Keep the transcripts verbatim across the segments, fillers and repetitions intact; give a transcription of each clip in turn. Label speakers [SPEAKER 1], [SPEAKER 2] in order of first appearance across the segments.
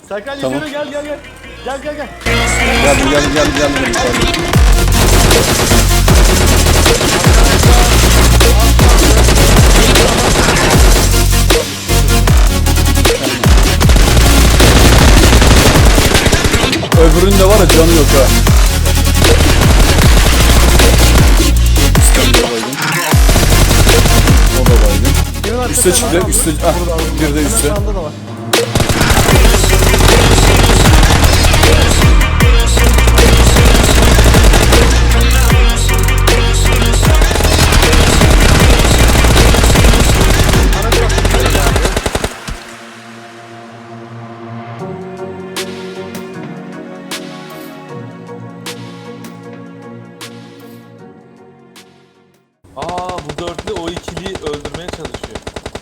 [SPEAKER 1] Serkan
[SPEAKER 2] Tamam.
[SPEAKER 1] yukarı gel gel gel. Gel gel gel.
[SPEAKER 2] Geldim geldim geldim geldim. geldim. Öbüründe var ya canı yok ha. İskender baygın. O da baygın. Üste çıktı, üste, ah, bir de üste.
[SPEAKER 1] Sağında da var. Aa bu dörtlü o ikiliyi öldürmeye çalışıyor.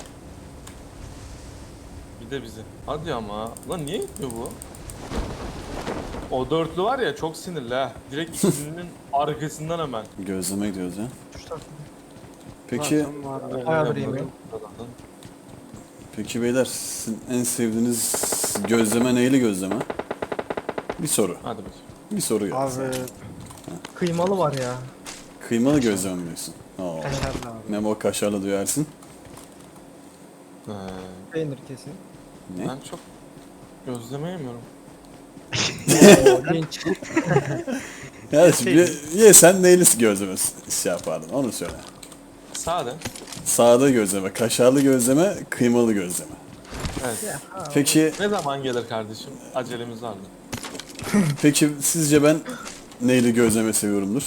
[SPEAKER 1] Bir de bizi. Hadi ama. Lan niye gitmiyor bu? O dörtlü var ya çok sinirli ha. Direkt ikilinin arkasından hemen.
[SPEAKER 2] Gözleme gidiyoruz ya. Peki,
[SPEAKER 1] Bayağı bir yemeğim.
[SPEAKER 2] peki beyler, sizin en sevdiğiniz gözleme neyli gözleme? Bir soru.
[SPEAKER 1] Hadi bakayım.
[SPEAKER 2] Bir soru geldi.
[SPEAKER 3] Abi
[SPEAKER 4] Kıymalı var ya.
[SPEAKER 2] Kıymalı gözleme mi diyorsun? Aa.
[SPEAKER 3] kaşarlı abi.
[SPEAKER 2] Memo kaşarlı duyarsın.
[SPEAKER 1] Ee,
[SPEAKER 4] Peynir kesin.
[SPEAKER 2] Ne?
[SPEAKER 1] ben çok gözleme yemiyorum.
[SPEAKER 4] Oo, genç.
[SPEAKER 2] Ya şimdi ye sen neyli gözleme şey yapardın onu söyle.
[SPEAKER 1] Sade.
[SPEAKER 2] Sade gözleme, kaşarlı gözleme, kıymalı gözleme.
[SPEAKER 1] Evet.
[SPEAKER 2] Peki,
[SPEAKER 1] Ne zaman gelir kardeşim? Acelemiz var mı?
[SPEAKER 2] peki sizce ben neyli gözleme seviyorumdur?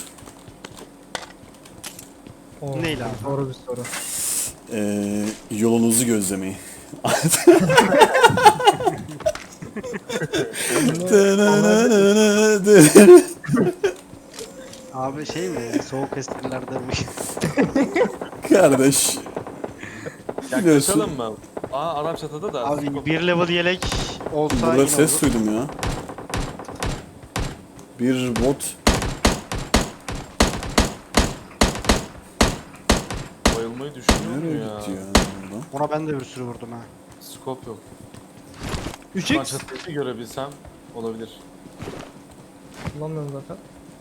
[SPEAKER 4] Oo,
[SPEAKER 3] Neyle abi?
[SPEAKER 4] Doğru bir soru.
[SPEAKER 2] Ee, yolunuzu gözlemeyi.
[SPEAKER 3] Abi şey mi? Soğuk esprilerdenmiş.
[SPEAKER 2] Kardeş. Biliyorsun.
[SPEAKER 1] Yaklaşalım mı? Aa Arap çatıda da.
[SPEAKER 3] Abi bir level yelek olsa
[SPEAKER 2] Burada
[SPEAKER 3] yine
[SPEAKER 2] ses
[SPEAKER 3] olur.
[SPEAKER 2] duydum ya. Bir bot.
[SPEAKER 1] Bayılmayı düşünüyor
[SPEAKER 2] Nereye
[SPEAKER 1] mu ya?
[SPEAKER 2] gitti ya buradan?
[SPEAKER 3] Ona ben de bir sürü vurdum ha.
[SPEAKER 1] Scope yok.
[SPEAKER 4] üç
[SPEAKER 1] Ben
[SPEAKER 4] x
[SPEAKER 1] çatıyı görebilsem olabilir.
[SPEAKER 4] kullanmıyorum zaten.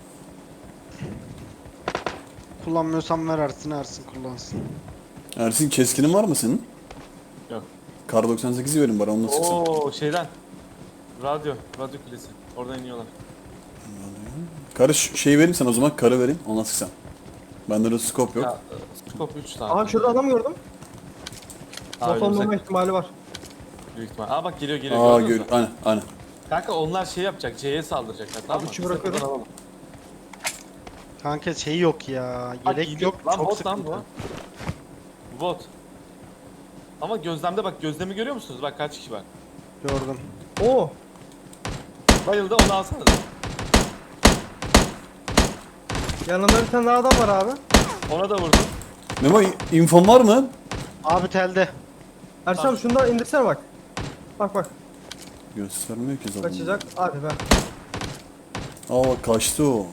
[SPEAKER 3] Kullanmıyorsan ver Ersin, Ersin kullansın.
[SPEAKER 2] Ersin keskinin var mı senin?
[SPEAKER 1] Yok.
[SPEAKER 2] Kar doksan sekizi verin bana onunla sıksın.
[SPEAKER 1] Oo şeyden. Radyo. Radyo kulesi. Oradan iniyorlar.
[SPEAKER 2] Karı ş- şey vereyim sana o zaman karı vereyim onunla sıksan. Bende de scope yok.
[SPEAKER 1] Ya, scope üç tane.
[SPEAKER 4] Aha şurada adam gördüm.
[SPEAKER 1] Aa,
[SPEAKER 4] Bot olmama
[SPEAKER 1] önümüzde.
[SPEAKER 4] ihtimali var.
[SPEAKER 1] Büyük ihtimal. Aa bak geliyor geliyor.
[SPEAKER 2] Aa
[SPEAKER 1] gördünüz
[SPEAKER 2] gör
[SPEAKER 1] mü?
[SPEAKER 2] aynen aynen.
[SPEAKER 1] Kanka onlar şey yapacak. C'ye saldıracaklar. Tamam mı?
[SPEAKER 4] üçü
[SPEAKER 1] Biz de
[SPEAKER 4] bırakıyorum.
[SPEAKER 1] buradan alalım.
[SPEAKER 3] Kanka şey yok ya.
[SPEAKER 1] Bak,
[SPEAKER 3] Yelek
[SPEAKER 1] gidiyor.
[SPEAKER 3] yok.
[SPEAKER 1] Lan
[SPEAKER 3] çok
[SPEAKER 1] bot lan
[SPEAKER 3] sıkıntı.
[SPEAKER 1] bu. Bu bot. Ama gözlemde bak gözlemi görüyor musunuz? Bak kaç kişi var.
[SPEAKER 3] Gördüm.
[SPEAKER 4] Oo.
[SPEAKER 1] Bayıldı onu alsana da.
[SPEAKER 4] Yanında bir tane daha adam var abi.
[SPEAKER 1] Ona da vurdum.
[SPEAKER 2] Memo infon var mı?
[SPEAKER 3] Abi telde.
[SPEAKER 4] Ersan
[SPEAKER 1] Tamam.
[SPEAKER 4] şunu da indirsene bak. Bak bak.
[SPEAKER 2] Göstermiyor ki zaten.
[SPEAKER 4] Kaçacak. Hadi be.
[SPEAKER 2] Aa bak kaçtı o.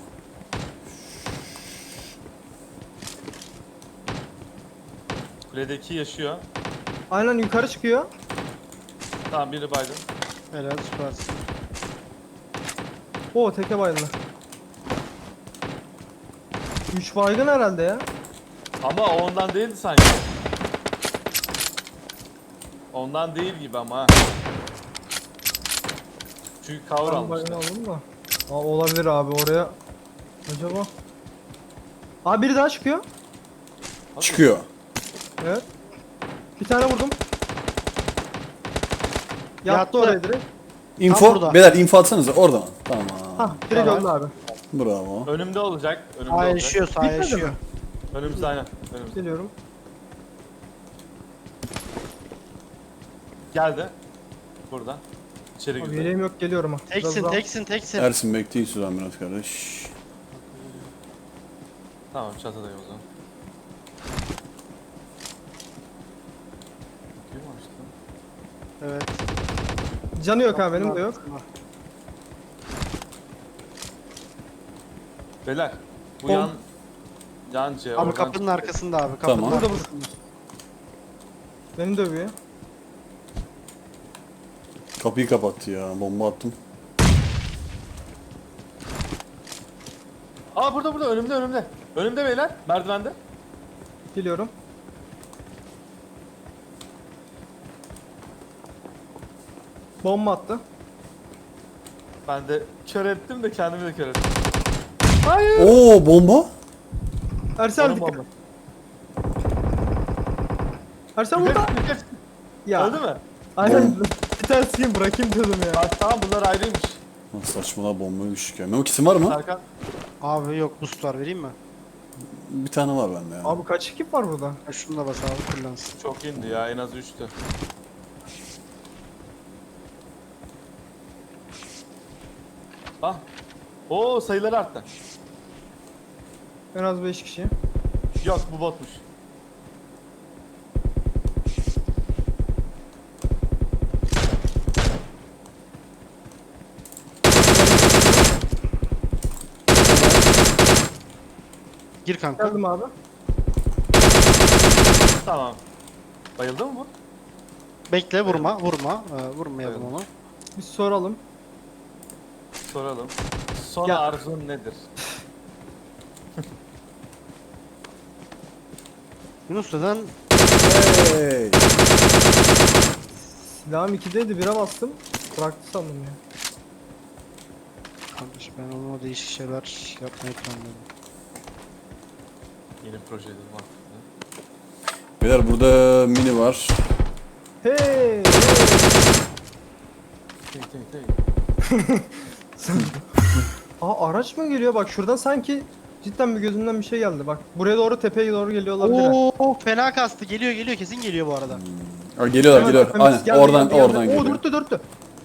[SPEAKER 1] Kuledeki yaşıyor.
[SPEAKER 4] Aynen yukarı çıkıyor.
[SPEAKER 1] Tamam biri baydı.
[SPEAKER 3] Helal süpersin.
[SPEAKER 4] Oo teke bayıldı. üç baygın herhalde ya.
[SPEAKER 1] Ama o ondan değildi sanki. Ondan değil gibi ama ha. Çünkü cover
[SPEAKER 4] Ben baygın
[SPEAKER 1] almışlar.
[SPEAKER 4] aldım da. Aa, olabilir abi oraya. Acaba. Abi biri daha çıkıyor.
[SPEAKER 2] Çıkıyor.
[SPEAKER 4] Evet. Bir tane vurdum. Yattı,
[SPEAKER 3] Yattı.
[SPEAKER 4] oraya direkt.
[SPEAKER 2] Info,
[SPEAKER 3] burada.
[SPEAKER 2] beyler info atsanıza oradan. Tamam.
[SPEAKER 4] Hah direkt
[SPEAKER 1] Tamam.
[SPEAKER 4] öldü abi.
[SPEAKER 2] Bravo.
[SPEAKER 1] Önümde olacak. Önümde
[SPEAKER 3] Sağ
[SPEAKER 1] olacak.
[SPEAKER 3] yaşıyor, sağ
[SPEAKER 4] Bitmedi
[SPEAKER 3] yaşıyor.
[SPEAKER 4] mi?
[SPEAKER 1] Önümüzde aynen. Önümüzde.
[SPEAKER 4] Geliyorum.
[SPEAKER 1] Geldi. Burada. İçeri
[SPEAKER 4] Abi
[SPEAKER 1] girdi.
[SPEAKER 4] yeleğim yok geliyorum ha. Biraz
[SPEAKER 3] Teksin,
[SPEAKER 4] daha-
[SPEAKER 3] teksin, teksin.
[SPEAKER 2] Ersin bekleyin Suzan biraz kardeş.
[SPEAKER 1] Tamam çatıdayım o zaman. Kim açtı?
[SPEAKER 3] Evet.
[SPEAKER 4] Canı yok abi benim de yok.
[SPEAKER 1] Beyler. Bu
[SPEAKER 4] Bom.
[SPEAKER 1] yan yan C.
[SPEAKER 3] Abi
[SPEAKER 1] oradan
[SPEAKER 3] kapının
[SPEAKER 1] çıktı.
[SPEAKER 3] arkasında abi. Kapının
[SPEAKER 2] Tamam.
[SPEAKER 4] Burada
[SPEAKER 3] arkasında.
[SPEAKER 4] burada. Beni dövüyor.
[SPEAKER 2] Kapıyı kapattı ya. Bomba attım.
[SPEAKER 1] Aa burada burada önümde önümde. Önümde beyler merdivende.
[SPEAKER 4] Geliyorum. Bomba attı.
[SPEAKER 1] Ben de kör ettim de kendimi de kör ettim.
[SPEAKER 4] Hayır.
[SPEAKER 2] Oo bomba.
[SPEAKER 4] Ersel
[SPEAKER 1] Onun
[SPEAKER 4] dikkat.
[SPEAKER 1] bomba.
[SPEAKER 4] Ersel
[SPEAKER 1] Yukarı,
[SPEAKER 4] burada.
[SPEAKER 1] yukarı.
[SPEAKER 4] Ya.
[SPEAKER 1] Öldü mü?
[SPEAKER 4] Aynen. Bir tane sıkayım bırakayım dedim ya.
[SPEAKER 1] Bak tamam bunlar ayrıymış.
[SPEAKER 2] Lan saçmalama bombaya düştük ya. Memo kitin var mı?
[SPEAKER 1] Serkan.
[SPEAKER 3] Abi yok boost var vereyim mi?
[SPEAKER 2] Bir tane var bende ya.
[SPEAKER 4] Abi kaç ekip var burada?
[SPEAKER 3] Ha, şunu da bas abi kullansın.
[SPEAKER 1] Çok indi ya en az üçtü. Ah. Oo sayıları arttı.
[SPEAKER 4] En az beş kişi.
[SPEAKER 1] Yok bu botmuş.
[SPEAKER 3] Gir kanka.
[SPEAKER 4] Geldim abi.
[SPEAKER 1] Tamam. Bayıldı mı bu?
[SPEAKER 3] Bekle vurma vurma. Ee, vurmayalım
[SPEAKER 1] Evet.
[SPEAKER 3] onu.
[SPEAKER 4] Bir soralım.
[SPEAKER 1] Soralım. Son
[SPEAKER 4] Ya-
[SPEAKER 1] arzun nedir?
[SPEAKER 3] Yunus neden?
[SPEAKER 2] Hey.
[SPEAKER 4] Silahım ikideydi bire bastım. Bıraktı sandım ya.
[SPEAKER 3] Kardeş ben onunla değişik şeyler yapmayı planlıyorum.
[SPEAKER 1] Yeni projelerim var.
[SPEAKER 2] Beyler burada mini var.
[SPEAKER 4] Hey! hey.
[SPEAKER 1] Hey hey hey.
[SPEAKER 4] Aa araç mı geliyor? Bak şuradan sanki cidden bir gözümden bir şey geldi. Bak buraya doğru tepeye doğru geliyor olabilir. ha.
[SPEAKER 3] Oo fena kastı. Geliyor geliyor kesin geliyor bu arada.
[SPEAKER 2] Aa, geliyorlar
[SPEAKER 4] Hemen
[SPEAKER 2] geliyorlar.
[SPEAKER 4] tepemiz
[SPEAKER 2] Aynen
[SPEAKER 4] geldi,
[SPEAKER 2] oradan
[SPEAKER 4] geldi, geldi.
[SPEAKER 2] oradan
[SPEAKER 4] Oo
[SPEAKER 2] geliyor.
[SPEAKER 4] dörttü dörttü.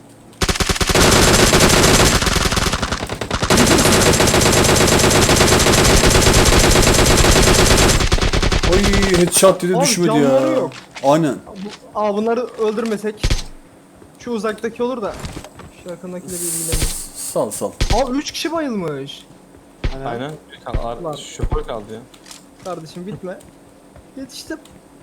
[SPEAKER 2] Oy headshot dedi
[SPEAKER 4] Abi,
[SPEAKER 2] düşmedi
[SPEAKER 4] canları
[SPEAKER 2] ya.
[SPEAKER 4] yok.
[SPEAKER 2] Aynen.
[SPEAKER 4] Bu- Aa bunları öldürmesek. Şu uzaktaki olur da. Şu yakındakiyle bir ilgilenelim.
[SPEAKER 2] Sal sal.
[SPEAKER 4] Abi üç kişi bayılmış.
[SPEAKER 3] Hani
[SPEAKER 1] Aynen. Bir kal- ar-
[SPEAKER 4] Lan.
[SPEAKER 1] şoför kaldı ya.
[SPEAKER 4] Kardeşim bitme. Yetiştim.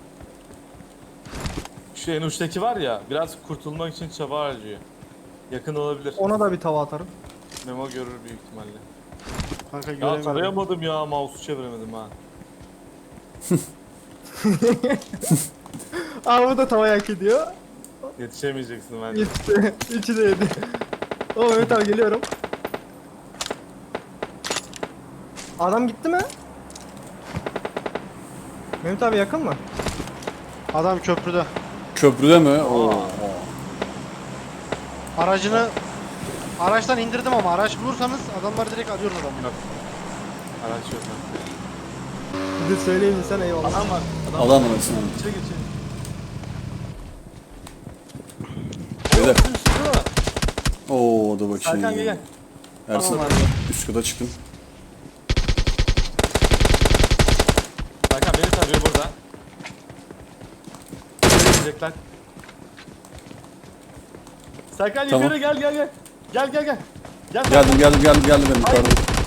[SPEAKER 1] Şu en uçtaki var ya biraz kurtulmak için çaba harcıyor. Yakın olabilir.
[SPEAKER 4] Ona da bir tava atarım.
[SPEAKER 1] Memo görür büyük ihtimalle.
[SPEAKER 3] Kanka
[SPEAKER 1] Ya
[SPEAKER 3] göremedim.
[SPEAKER 1] tarayamadım ya mouse'u çeviremedim ha.
[SPEAKER 4] Aa bu da tava hak ediyor.
[SPEAKER 1] Yetişemeyeceksin bence.
[SPEAKER 4] Yetişti. Üçü de yedi. Oo Mehmet abi geliyorum. Adam gitti mi? Mehmet abi yakın mı?
[SPEAKER 3] Adam köprüde.
[SPEAKER 2] Köprüde mi? Oo.
[SPEAKER 3] Aracını araçtan indirdim ama araç bulursanız adamlar direkt alıyoruz adamı.
[SPEAKER 1] Yok. Araç yok.
[SPEAKER 4] Bir de söyleyeyim sen eyvallah.
[SPEAKER 1] Adam var. Adam,
[SPEAKER 2] Adam arasında.
[SPEAKER 1] İçeri gir içeri.
[SPEAKER 2] Beyler.
[SPEAKER 1] Üst üstü var.
[SPEAKER 2] Oo da bakayım.
[SPEAKER 1] Serkan gel gel.
[SPEAKER 2] Ersin
[SPEAKER 1] Tamam abi.
[SPEAKER 2] üst kata çıktım.
[SPEAKER 1] Serkan beni tarıyor burada. Nereye gidecekler? Serkan
[SPEAKER 2] Tamam.
[SPEAKER 1] yukarı gel gel gel. Gel gel gel. Gel.
[SPEAKER 2] Geldim geldim geldim geldim benim yukarıda.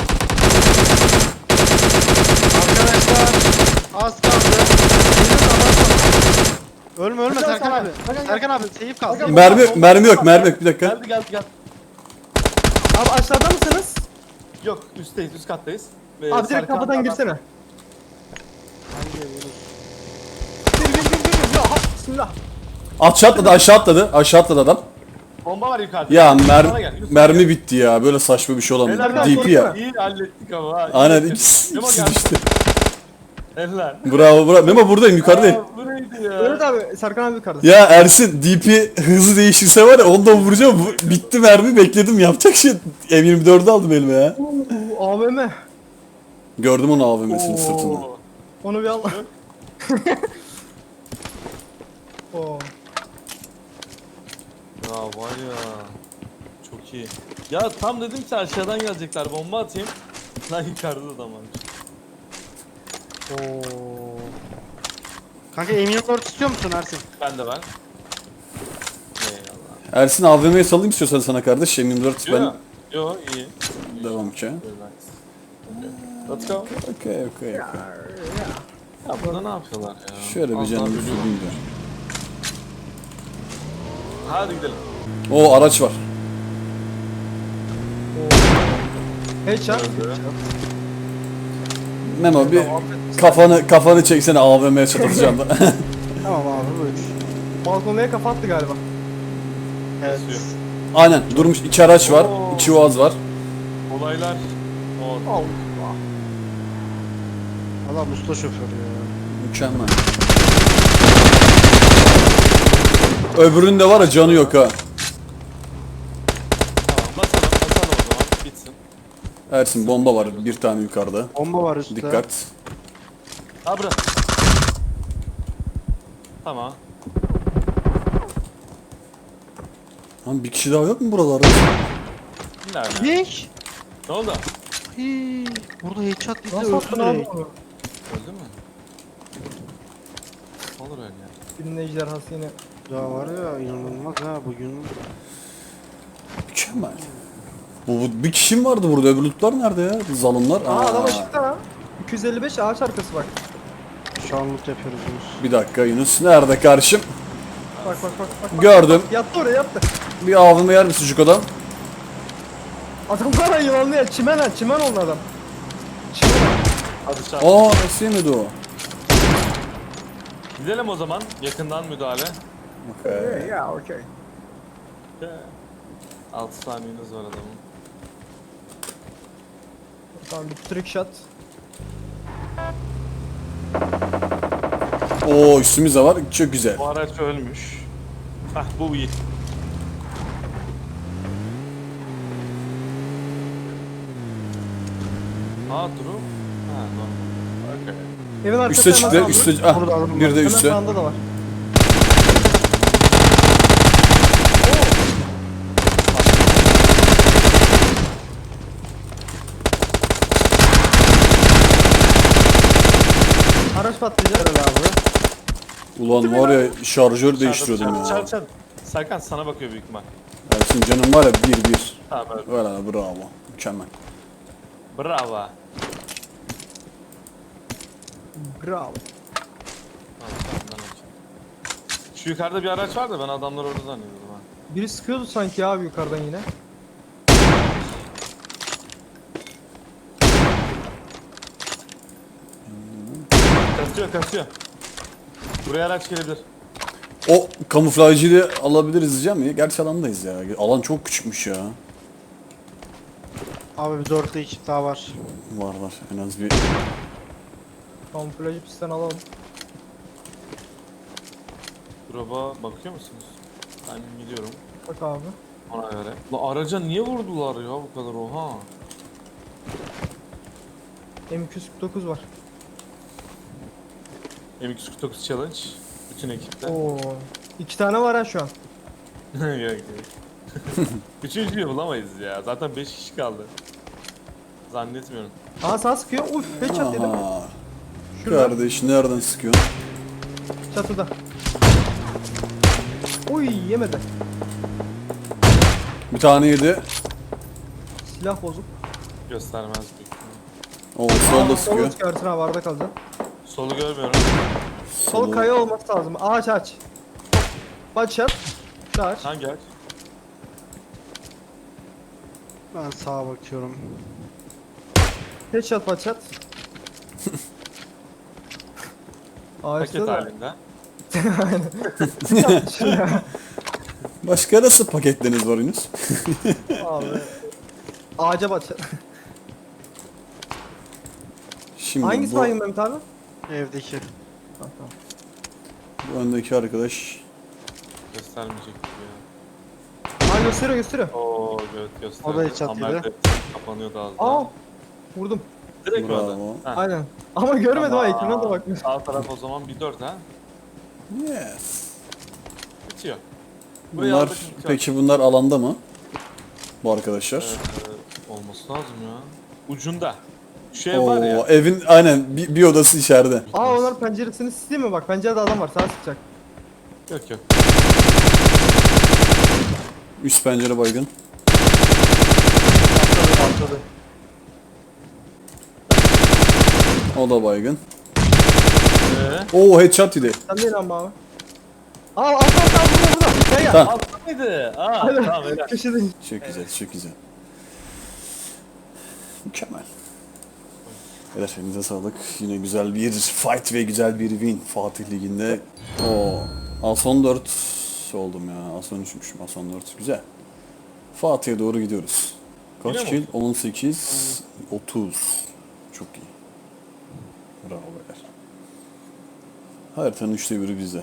[SPEAKER 3] Arkadaşlar az kaldı. Ölme ölme
[SPEAKER 1] Serkan,
[SPEAKER 3] Serkan abi.
[SPEAKER 1] Serkan, gel.
[SPEAKER 3] Serkan abi seyif kal.
[SPEAKER 1] Serkan,
[SPEAKER 3] seyif
[SPEAKER 2] Mermi
[SPEAKER 3] kal.
[SPEAKER 2] yok mermi yok mermi yok bir dakika.
[SPEAKER 1] Geldi geldi gel.
[SPEAKER 4] Abi aşağıda mısınız?
[SPEAKER 1] Yok üstteyiz üst kattayız. Ve
[SPEAKER 4] Abi direkt
[SPEAKER 1] Serkan
[SPEAKER 4] kapıdan
[SPEAKER 1] adam-
[SPEAKER 4] girsene.
[SPEAKER 3] Hangi Yunus?
[SPEAKER 4] Gir gir gir gir. Ya ha, bismillah.
[SPEAKER 2] Aşağı atladı aşağı atladı aşağı atladı adam.
[SPEAKER 1] Bomba var yukarıda.
[SPEAKER 2] Ya
[SPEAKER 1] Bana
[SPEAKER 2] mer
[SPEAKER 1] gel, Yunus,
[SPEAKER 2] mermi
[SPEAKER 1] gel.
[SPEAKER 2] bitti ya böyle saçma bir şey olamaz.
[SPEAKER 1] Helal
[SPEAKER 2] D P ya.
[SPEAKER 1] İyi hallettik ama ha.
[SPEAKER 2] Aynen
[SPEAKER 1] İyi.
[SPEAKER 2] ikisi,
[SPEAKER 1] Memo
[SPEAKER 2] ikisi
[SPEAKER 1] gel.
[SPEAKER 2] düştü.
[SPEAKER 1] Helal.
[SPEAKER 2] Bravo bravo. Memo buradayım yukarıdayım.
[SPEAKER 1] Aa, bu neydi ya?
[SPEAKER 4] Mehmet abi Serkan abi yukarıda.
[SPEAKER 2] Ya Ersin D P hızı değişirse var ya onu da vuracağım. Bu- Bitti mermi bekledim yapacak şey. M yirmi dördü aldım elime ya.
[SPEAKER 4] Oo, A V M.
[SPEAKER 2] Gördüm onu A V M'sinin sırtında.
[SPEAKER 1] Oo.
[SPEAKER 4] Onu bir al. Oo.
[SPEAKER 1] Ya var ya. Çok iyi. Ya tam dedim ki aşağıdan gelecekler bomba atayım. Lan yukarıda da adam varmış.
[SPEAKER 3] Oo. Kanka M yirmi dört istiyor musun Ersin?
[SPEAKER 1] Ben de ben. Eyvallah.
[SPEAKER 2] Ersin A V M'ye salayım istiyorsan sana kardeş. M yirmi dört
[SPEAKER 1] Yo,
[SPEAKER 2] ben
[SPEAKER 1] yo iyi.
[SPEAKER 2] devam ki.
[SPEAKER 1] Relax. Okay. Let's go.
[SPEAKER 2] Okey okey okey.
[SPEAKER 1] Ya burada ne yapıyorlar ya?
[SPEAKER 2] Şöyle bir
[SPEAKER 1] Az
[SPEAKER 2] canım
[SPEAKER 1] daha
[SPEAKER 2] bir
[SPEAKER 1] ölüyorum.
[SPEAKER 2] fırlayayım da.
[SPEAKER 1] Hadi gidelim.
[SPEAKER 2] O araç var.
[SPEAKER 4] Headshot.
[SPEAKER 1] Öldü.
[SPEAKER 2] Memo bir kafanı kafanı çeksene A V M'ye çatıracağım da.
[SPEAKER 3] Tamam abi buyur.
[SPEAKER 4] Balkonluya kafa attı galiba.
[SPEAKER 3] Evet.
[SPEAKER 1] Basıyor.
[SPEAKER 2] Aynen durmuş iki araç var.
[SPEAKER 1] Oo.
[SPEAKER 2] İki Uaz var.
[SPEAKER 1] Olaylar. O.
[SPEAKER 4] Allah.
[SPEAKER 3] Adam usta şoför ya.
[SPEAKER 2] Mükemmel. Öbürünün de var ya canı yok ha.
[SPEAKER 1] Tamam basalım basalım o zaman. Bitsin.
[SPEAKER 2] Ersin bomba var bir tane yukarıda.
[SPEAKER 3] Bomba var üstte.
[SPEAKER 2] Dikkat.
[SPEAKER 1] Ha bırak. Tamam.
[SPEAKER 2] Lan bir kişi daha yok mu buralarda?
[SPEAKER 1] Nerede?
[SPEAKER 3] Yek.
[SPEAKER 1] Ne oldu?
[SPEAKER 3] Hii. Burada headshot bizi
[SPEAKER 4] Nasıl attın
[SPEAKER 3] öldü
[SPEAKER 4] abi
[SPEAKER 3] direkt.
[SPEAKER 4] onu?
[SPEAKER 1] Öldü mü? Olur öyle ya.
[SPEAKER 4] Birinin ejderhası yine.
[SPEAKER 3] Ya var ya inanılmaz ha bugün.
[SPEAKER 2] Mükemmel. Bu, bu bir kişi mi vardı burada? Öbür lootlar nerede ya? Zalımlar.
[SPEAKER 4] Aa adam açıkta ha. iki yüz elli beş ağaç arkası bak.
[SPEAKER 3] Şu an loot yapıyoruz Yunus.
[SPEAKER 2] Bir dakika Yunus. Nerede karşım?
[SPEAKER 4] Bak bak bak. bak, bak.
[SPEAKER 2] Gördüm.
[SPEAKER 4] Yattı oraya yattı.
[SPEAKER 2] Bir avımı yer mi sucuk adam?
[SPEAKER 4] Adam var ya yılanlı ya. Çimen ha. Çimen onun adam. Çimen ha.
[SPEAKER 1] Hadi çarp.
[SPEAKER 2] Aa nasıl yemedi o?
[SPEAKER 1] Gidelim o zaman. Yakından müdahale.
[SPEAKER 2] Okay.
[SPEAKER 4] Ya okey.
[SPEAKER 1] altı saniyeniz var adamın.
[SPEAKER 4] Tamam bir trick shot.
[SPEAKER 2] Oo üstümüz de var. Çok güzel.
[SPEAKER 1] Bu araç ölmüş. Hah bu iyi. Aa durum. Ha normal. Okay.
[SPEAKER 4] Evin arkası
[SPEAKER 2] Üste
[SPEAKER 4] hemen
[SPEAKER 2] çıktı.
[SPEAKER 4] sağında.
[SPEAKER 2] Üste. Ah,
[SPEAKER 3] Burada adam
[SPEAKER 2] bir de
[SPEAKER 4] Hemen
[SPEAKER 2] üste.
[SPEAKER 4] sağında da var. Araç patlayacak.
[SPEAKER 3] Helal abi.
[SPEAKER 2] Ulan var ya şarjör değiştiriyordum
[SPEAKER 1] Çarp,
[SPEAKER 2] ya.
[SPEAKER 1] çarp, çarp. Serkan sana bakıyor büyük ihtimal.
[SPEAKER 2] Ersin canım var ya bir bir.
[SPEAKER 1] Tamam öyle.
[SPEAKER 2] Valla bravo. Mükemmel.
[SPEAKER 1] Bravo.
[SPEAKER 4] Bravo.
[SPEAKER 1] Tamam, tamam, ben okey. Şu yukarıda bir araç var da ben adamlar orada zannediyordum ha.
[SPEAKER 4] Biri sıkıyordu sanki abi yukarıdan yine.
[SPEAKER 1] Kasıyor kasıyor. Buraya araç gelebilir.
[SPEAKER 2] O kamuflajcıyı alabiliriz diyeceğim ya. Gerçi alandayız ya. Alan çok küçükmüş ya.
[SPEAKER 3] Abi bir dörtlü ekip daha var.
[SPEAKER 2] Var var. En az bir
[SPEAKER 4] Kamuflajı pistten alalım.
[SPEAKER 1] Drop'a bakıyor musunuz? Ben gidiyorum
[SPEAKER 4] Bak abi.
[SPEAKER 1] ona göre. La araca niye vurdular ya bu kadar oha?
[SPEAKER 4] M iki yüz kırk dokuz var.
[SPEAKER 1] M iki yüz kırk dokuz challenge. Bütün ekipte.
[SPEAKER 4] Oo. İki tane var ha şu an.
[SPEAKER 1] Yok yok. Üçüncüyü bulamayız ya. Zaten beş kişi kaldı. Zannetmiyorum.
[SPEAKER 4] Aha sağ sıkıyor. Uf headshot yedim.
[SPEAKER 2] Aha.
[SPEAKER 4] Şurada.
[SPEAKER 2] Kardeş nereden sıkıyorsun?
[SPEAKER 4] Çatıda. Uy yemedi.
[SPEAKER 2] Bir tane yedi.
[SPEAKER 4] Silah bozuk.
[SPEAKER 1] Göstermez büyük ihtimal.
[SPEAKER 2] O solda
[SPEAKER 4] Solu
[SPEAKER 2] sıkıyor.
[SPEAKER 4] çıkarsın abi arada kalacaksın.
[SPEAKER 1] Solu görmüyorum.
[SPEAKER 4] Sol kaya olması lazım. Ağaç aç. Aç yap. Şu aç.
[SPEAKER 1] Hangi aç?
[SPEAKER 3] Ben sağa bakıyorum.
[SPEAKER 4] Headshot paçat. Ağaçta
[SPEAKER 1] Paket
[SPEAKER 4] da.
[SPEAKER 1] halinde.
[SPEAKER 4] Şuraya.
[SPEAKER 2] Başka nasıl paketleriniz var Yunus?
[SPEAKER 4] Abi. Ağaca paçat.
[SPEAKER 2] Şimdi
[SPEAKER 4] Hangisi
[SPEAKER 2] bu,
[SPEAKER 4] baygın Mehmet abi?
[SPEAKER 3] Evdeki.
[SPEAKER 4] Tamam, tamam.
[SPEAKER 2] bu öndeki arkadaş.
[SPEAKER 1] Göstermeyecek gibi ya.
[SPEAKER 4] Aa gösteriyor gösteriyor.
[SPEAKER 1] Oo evet gösterdi.
[SPEAKER 3] O da hiç
[SPEAKER 1] Ama
[SPEAKER 3] atıyordu.
[SPEAKER 1] evet, kapanıyordu az
[SPEAKER 4] Aa.
[SPEAKER 1] daha.
[SPEAKER 4] Vurdum.
[SPEAKER 1] Direkt
[SPEAKER 2] Bravo.
[SPEAKER 1] orada. Ha.
[SPEAKER 4] Aynen. Ama görmedim ha
[SPEAKER 1] Tamam.
[SPEAKER 4] ekrana da bakmıyor.
[SPEAKER 1] Sağ taraf o zaman bir dört ha.
[SPEAKER 2] Yes.
[SPEAKER 1] Bitiyor. Buraya
[SPEAKER 2] Bunlar
[SPEAKER 1] aldık, bitiyor.
[SPEAKER 2] peki bunlar alanda mı? Bu arkadaşlar.
[SPEAKER 1] Ee, olması lazım ya. Ucunda. Şu ev var ya.
[SPEAKER 2] Oo, evin aynen bir, bir odası içeride.
[SPEAKER 4] Aa onlar penceresini sileyim mi bak pencerede adam var sağa sıkacak.
[SPEAKER 1] Yok yok.
[SPEAKER 2] Üst pencere baygın.
[SPEAKER 1] Atladı atladı.
[SPEAKER 2] O da baygın.
[SPEAKER 1] Ee,
[SPEAKER 2] Oo headshot yedi.
[SPEAKER 4] Sen değil ama abi. Aa alt alt alt burada burada. gel gel.
[SPEAKER 2] Tamam.
[SPEAKER 1] Altta mıydı? Aa
[SPEAKER 4] Aynen.
[SPEAKER 1] tamam öyle.
[SPEAKER 4] Köşede.
[SPEAKER 2] Çok güzel, çok güzel. Mükemmel. Evet, elinize sağlık. Yine güzel bir fight ve güzel bir win Fatih Ligi'nde. Oo, az son dört oldum ya. Az son üçmüşüm, az son dört. Güzel. Fatih'e doğru gidiyoruz. Kaç
[SPEAKER 1] Yine mi
[SPEAKER 2] kill? on sekiz, otuz. Çok iyi. Bravo beyler. Haritanın üçte biri bizde.